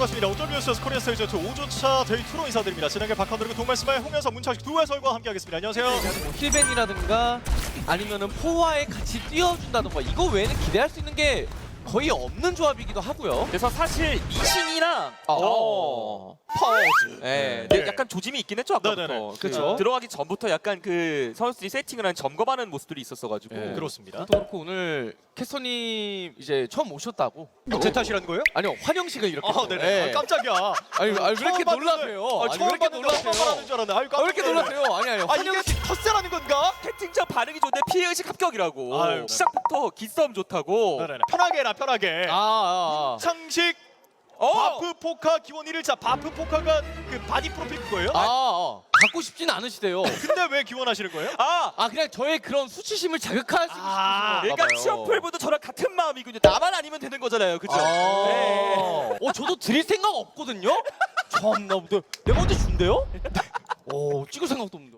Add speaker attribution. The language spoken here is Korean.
Speaker 1: 반갑습니다. 오토뷰스 코리아 스타일 전투 5주차 데이 2로 인사드립니다. 진행의 박한드리고 동말씀의 홍현석, 문창식 두 해설과 함께하겠습니다. 안녕하세요.
Speaker 2: 뭐 힐벤이라든가 아니면은 포화에 같이 뛰어준다든가 이거 외에는 기대할 수 있는 게 거의 없는 조합이기도 하고요.
Speaker 3: 그래서 사실 미신이랑
Speaker 2: 파워즈.
Speaker 3: 네.
Speaker 1: 네.
Speaker 3: 약간 조짐이 있긴 했죠 아까부터.
Speaker 1: 네네네.
Speaker 2: 그쵸.
Speaker 3: 들어가기 전부터 약간 그 선수들이 세팅을 한 점검하는 모습들이 있었어가지고.
Speaker 2: 네.
Speaker 1: 그렇습니다.
Speaker 2: 또 그렇고 오늘 캐서님 이제 처음 오셨다고.
Speaker 1: 제 탓이라는 거예요?
Speaker 2: 아니요 환영식을 이렇게.
Speaker 1: 아, 네네. 아, 깜짝이야.
Speaker 2: 아니 왜 이렇게
Speaker 1: 처음
Speaker 2: 놀라세요?
Speaker 1: 봤는데,
Speaker 2: 아니 왜 이렇게 놀라세요?
Speaker 1: 처음 줄 알았네. 아유,
Speaker 2: 왜 이렇게 놀라세요? 아니
Speaker 1: 아, 이게
Speaker 2: 환영식.
Speaker 1: 텃세라는 건가?
Speaker 3: 채팅창 반응이 좋은데 피해의식 합격이라고.
Speaker 1: 아유,
Speaker 3: 시작부터 기싸움 좋다고.
Speaker 1: 네네네. 편하게 해라, 편하게. 창식 바프 포카 기원 1일차 바프 포카가 그 바디 프로필 그거예요?
Speaker 2: 갖고 싶진 않으시대요.
Speaker 1: 근데 왜 기원하시는 거예요?
Speaker 2: 그냥 저의 그런 수치심을 자극하시고 싶으신
Speaker 3: 그러니까 취업풀분도 저랑 같은 마음이군요. 나만 아니면 되는 거잖아요, 그죠? 네.
Speaker 2: 저도 드릴 생각 없거든요. 참나, 내가 언제 준대요? 찍을 생각도 없는데.